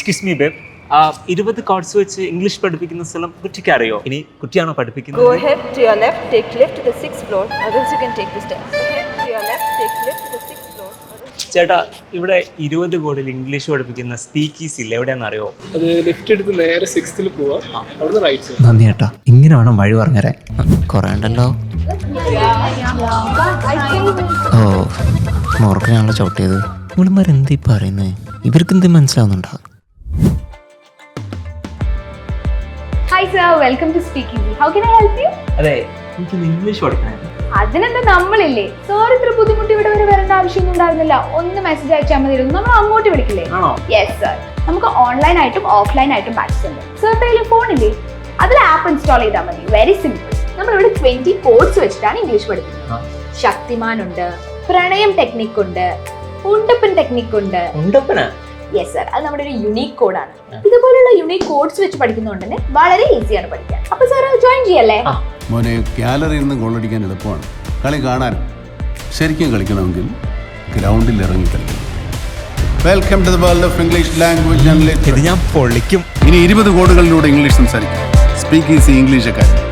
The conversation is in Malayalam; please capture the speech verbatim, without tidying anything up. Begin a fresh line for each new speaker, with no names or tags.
എക്സ്ക്യൂസ് മീ ബേബ്, ഇരുപത് കാർഡ്സ് വെച്ച് ഇംഗ്ലീഷ് പഠിപ്പിക്കുന്ന സ്ഥലം കുറ്റിക്ക് അറിയോ? ഇനി കുറ്റിയാണോ പഠിപ്പിക്കുന്നത്?
Go ahead to your left, take left to the sixth floor, or else you can take the stairs. Go ahead to your left, take left to the sixth floor.
ചേട്ടാ, ഇവിടെ ഇരുപത് കോഡിൽ ഇംഗ്ലീഷ് പഠിപ്പിക്കുന്ന സ്പീക്കീസ് ഇല്ല, എവിടെയാണെന്ന് അറിയോ?
അത് ലെഫ്റ്റ് എടുത്ത് നേരെ സിക്സ്ത്തിൽ പോവാ, അവിടുന്ന് റൈറ്റ് സൈഡ്.
നന്ദി ചേട്ടാ, ഇങ്ങനെ വേണം വഴി പറഞ്ഞുതരാൻ. കുറേ ഉണ്ടല്ലോ. ഓ, മോർക്കിനാണല്ലോ ചവിട്ടിയത്. ഇവിടുമാരെന്തീ പറയുന്നത്? ഇവർക്ക് എന്ത് മനസ്സിലാവുന്നുണ്ടോ?
Hi sir, welcome to Speakeasy. How can I help you?
അതെ, എനിക്ക് ഇംഗ്ലീഷ് പഠിക്കണമായിരുന്നു.
അതിനെന്താ നമ്മളില്ലേ? സാർ ഇത്ര ബുദ്ധിമുട്ട് ഇവിടെ വരെ വരേണ്ട ആവശ്യമൊന്നും ഉണ്ടായിരുന്നില്ല. ഒന്ന് മെസ്സേജ് അയച്ചാൽ മതിയായിരുന്നു, നമ്മൾ അങ്ങോട്ട് വിളിക്കില്ലേ?
ആണോ?
Yes sir. നമുക്ക് ഓൺലൈൻ ആയിട്ടും ഓഫ്ലൈൻ ആയിട്ടും ബാച്ചസ് ഉണ്ട്. സാറിന്റെ ഫോണില്ലേ, അതിൽ ആപ്പ് ഇൻസ്റ്റാൾ ചെയ്താൽ മതി. Very simple. നമ്മളിവിടെ ട്വന്റി കോഡ്സ് വെച്ചിട്ടാണ് ഇംഗ്ലീഷ് പഠിക്കുന്നത്. ശക്തിമാൻ ഉണ്ട്, പ്രണയം ടെക്നിക് ഉണ്ട്, ഉണ്ടപ്പൻ ടെക്നിക് ഉണ്ട്.
ഉണ്ടപ്പനാ?
യെസ് സർ, അത് നമ്മുടെ ഒരു യുണീക് കോഡാണ്. ഇതുപോലുള്ള യുണീക് കോഡ്സ് വെച്ച് പഠിക്കുന്നതുകൊണ്ട് തന്നെ വളരെ ഈസിയാണ് പഠിക്കാൻ. അപ്പൊ സാർ ജോയിൻ ചെയ്യല്ലേ?
മോനെ, ഗാലറിയിൽ നിന്ന് ഗോളടിക്കാൻ എളുപ്പമാണ്, കളി കാണാൻ. ശരിക്കും കളിക്കണമെങ്കിൽ ഗ്രൗണ്ടിൽ ഇറങ്ങി കളിക്കണം. Welcome to the world of English language and literature.
ഇത് ഞാൻ പൊളിക്കും.
ഇനി ഇരുപത് കോഡുകളിലൂടെ ഇംഗ്ലീഷ് സംസാരിക്കും. Speak easy English academy.